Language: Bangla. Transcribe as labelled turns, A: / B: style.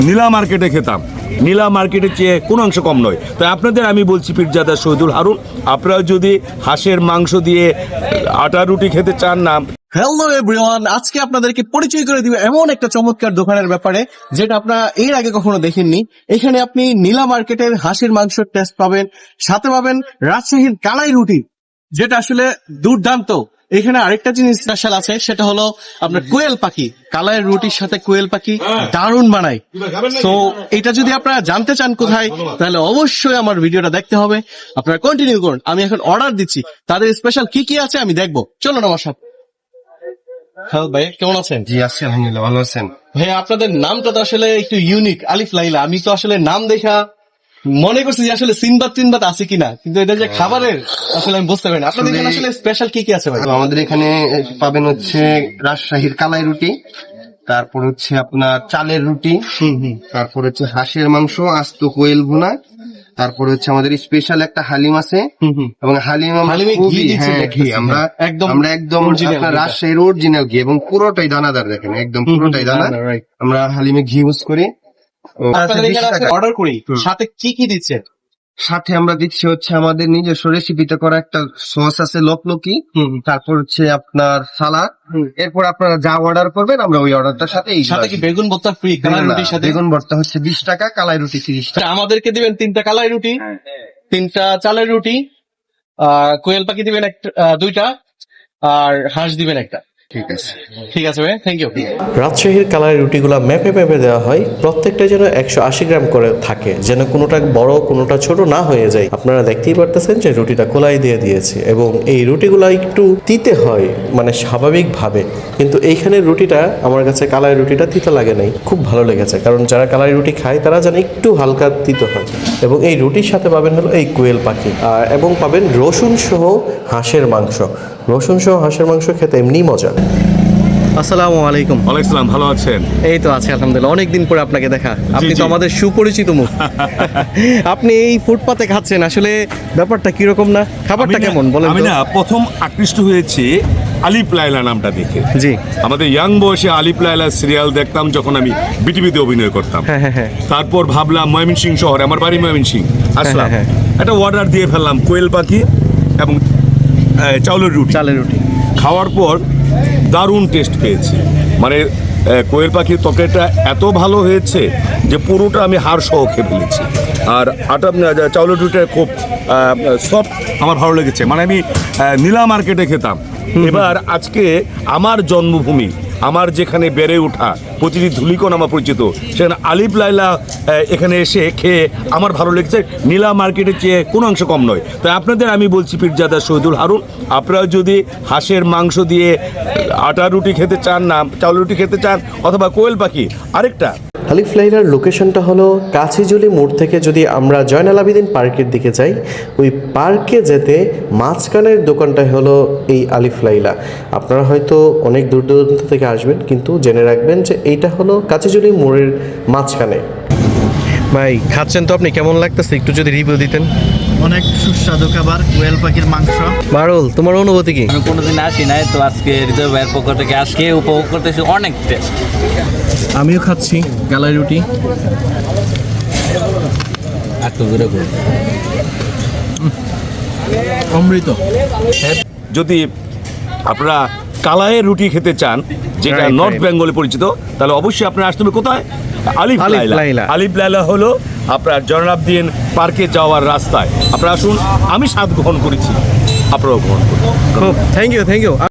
A: নীলা মার্কেটে খেতাম, নীলা মার্কেটের চেয়ে কোনো অংশ কম নয়। তাই আপনাদের আমি বলছি পীরজাদা শহীদুল হারুন, আপনারা যদি হাঁসের মাংস দিয়ে আটা রুটি খেতে চান না।
B: হ্যালো এভরিওয়ান, আজকে আপনাদেরকে পরিচয় করে দিব এমন একটা চমৎকার দোকানের ব্যাপারে যেটা আপনারা এর আগে কখনো দেখেননি। এখানে আপনি নীলা মার্কেটের হাঁসের মাংসের টেস্ট পাবেন, সাথে পাবেন রাজশাহীর কালাই রুটি, যেটা আসলে দুর্দান্ত। এখানে আরেকটা জিনিস স্পেশাল আছে, সেটা হলো আপনার কোয়েল পাখি। কালাইয়ের রুটির সাথে কোয়েল পাখি দারুণ বানায়। তো এটা যদি আপনারা জানতে চান কোথায়, তাহলে অবশ্যই আমার ভিডিওটা দেখতে হবে। আপনারা কন্টিনিউ করুন, আমি এখন অর্ডার দিচ্ছি। তাদের স্পেশাল কি কি আছে আমি দেখবো, চলুন আমার সাথে। হ্যালো ভাই, কেমন আছেন?
C: জি আছি আলহামদুলিল্লাহ, ভালো আছেন?
B: ভাই আপনাদের নামটা তো আসলে একটু ইউনিক, আলিফ লাইলা। আমি তো আসলে নাম দেখা মনে করছি যে আসলে সিনবাদ আছে কিনা, কিন্তু এটা যে খাবারের আসলে আমি বুঝতে পারি না। আপনাদের এখানে আসলে স্পেশাল কি কি আছে ভাই?
C: আমাদের এখানে পাবেন হচ্ছে রাজশাহীর কালাই রুটি, তারপর হচ্ছে আপনার চালের রুটি, তারপর হচ্ছে হাঁসের মাংস, আস্ত কোয়েল ভুনা, তারপর হচ্ছে আমাদের স্পেশাল একটা হালিম আছে, এবং
B: হালিমে ঘি দিচ্ছেন দেখতেছি।
C: আমরা
B: একদম
C: একদম
B: original
C: আপনার
B: ঘিটা।
C: রাজশাহীর অরিজিনাল ঘি, এবং পুরোটাই দানাদার, দেখেন একদম পুরোটাই দানা।
B: right.
C: আমরা হালিমে ঘি ইউজ করি।
B: আপনাদের এখানে
C: 20 টাকা।
B: অর্ডার করি, সাথে কি কি দিচ্ছে?
C: সাথে আমরা দিচ্ছি হচ্ছে আমাদের নিজস্ব রেসিপিতে করা একটা সস আছে লকলকি, তারপর হচ্ছে আপনার সালাদ। এরপর আপনারা যা অর্ডার করবেন আমরা ওই অর্ডারটার সাথে
B: সাথে কি বেগুন ভর্তা ফ্রি কালাই রুটির সাথে?
C: বেগুন ভর্তা হচ্ছে 20 টাকা, কালাই রুটি 30 টাকা।
B: আমাদেরকে দিবেন 3টা কালাই রুটি, 3টা চালের রুটি, কোয়েল পাখি দিবেন একটা, 2টা, আর হাঁস দিবেন একটা।
C: ঠিক আছে,
B: ঠিক আছে ভাই, থ্যাংক ইউ।
D: রাজশাহীর কালারের রুটিগুলো ম্যাপে ম্যাপে দেওয়া হয়, প্রত্যেকটা যেন 180 গ্রাম করে থাকে, যেন কোনোটা বড় কোনোটা ছোট না হয়ে যায়। আপনারা দেখতেই পারতেছেন যে রুটিটা কোলাই দিয়ে দিয়েছে, এবং এই রুটিগুলো একটু তিতে হয় মানে স্বাভাবিকভাবে, কিন্তু এইখানের রুটিটা আমার কাছে কালাই রুটিটা তিতে লাগে নাই, খুব ভালো লেগেছে। কারণ যারা কালাই রুটি খায় তারা জানে একটু হালকা তিতে হয়। এবং এই রুটির সাথে পাবেন হলো এই কোয়েল পাখি, এবং পাবেন রসুন সহ হাঁসের মাংস। রসুন সহ হাঁসের মাংস খেতে এমনি মজা।
B: আসসালামু আলাইকুম।
A: ওয়ালাইকুম আসসালাম, ভালো আছেন?
B: এই তো আছে আলহামদুলিল্লাহ, অনেকদিন পরে আপনাকে দেখা। আপনি তো
A: জি।
B: আমাদের সুপরিচিত মুখ। আপনি এই ফুটপাতে খাচ্ছেন, আসলে ব্যাপারটা কিরকম না, খাবারটা কেমন বলেন
A: আমি
B: তো?
A: না প্রথম আকৃষ্ট হয়েছি আলিফ লায়লা নামটা দেখে।
B: জি,
A: আমাদের ইয়াং বয়সে আলিফ লায়লা সিরিয়াল দেখতাম যখন আমি বিটিভিতে অভিনয় করতাম।
B: হ্যাঁ হ্যাঁ হ্যাঁ।
A: তারপর ভাবলাম ময়মনসিংহ শহরে, আমার বাড়ি ময়মনসিংহ, আসলাম,
B: হ্যাঁ,
A: একটা অর্ডার দিয়ে ফেললাম কোয়েল পাখি এবং চাউলের রুটি।
B: চালের রুটি।
A: খাওয়ার পর দারুণ টেস্ট পেয়েছি। মানে কোয়েল পাখির তরকারিটা এত ভালো হয়েছে যে পুরোটা আমি হাড় সহ খেয়ে ফেলেছি। আর আটা চাউলের রুটিটা খুব সফট, আমার ভালো লেগেছে। মানে আমি নীলা মার্কেটে খেতাম, এবার আজকে আমার জন্মভূমি, আমার যেখানে বেড়ে ওঠা, প্রতিটি ধুলিকণ আমার পরিচিত, সেখানে আলিফ লায়লা এখানে এসে খেয়ে আমার ভালো লেগেছে। নীলা মার্কেটের চেয়ে কোনো অংশ কম নয়। তাই আপনাদের আমি বলছি পীরজাদা শহীদুল হারুন, আপনারা যদি হাঁসের মাংস দিয়ে আটা রুটি খেতে চান না চাউল রুটি খেতে চান, অথবা কোয়েল পাখি আরেকটা।
D: আলিফ লাইলার লোকেশনটা হলো কাছিজুলি মোড় থেকে যদি আমরা জয়নাল আবেদিন পার্কের দিকে যাই, ওই পার্কে যেতে মাঝখানের দোকানটাই হলো এই আলিফ লাইলা। আপনারা হয়তো অনেক দূর দূরান্ত থেকে আসবেন, কিন্তু জেনে রাখবেন যে এইটা হলো কাছিজুলি মোড়ের মাঝখানে।
B: ভাই খাচ্ছেন তো আপনি, কেমন লাগতেছে একটু যদি রিভিউ দিতেন?
E: অনেক সুস্বাদু খাবার, কোয়েল পাখির মাংস।
B: বারুল, তোমার অনুভূতি কি?
F: আমি কোনোদিন আসি নাই, তো আজকে হৃদয় ভাইয়ের পক্ষ থেকে আজকে উপভোগ করতেছি, অনেক টেস্ট।
B: আমিও খাচ্ছি কালাই রুটি।
F: একটু দূরে করুন।
B: অমৃত।
A: যদি আপনারা কালাইয়ের রুটি খেতে চান, যেটা
B: Right,
A: নর্থ
B: right.
A: বেঙ্গলে পরিচিত, তাহলে অবশ্যই আপনারা আসতে হবে কোথায়? আলিফ
B: আলিফ
A: লায়লা।
B: লায়লা।
A: আলিফ লায়লা হলো আপনার জয়নালাবদিন পার্কে যাওয়ার রাস্তায়। আপনারা আসুন, আমি স্বাদ গ্রহণ করেছি, আপনারাও গ্রহণ করুন।
B: খুব থ্যাংক ইউ।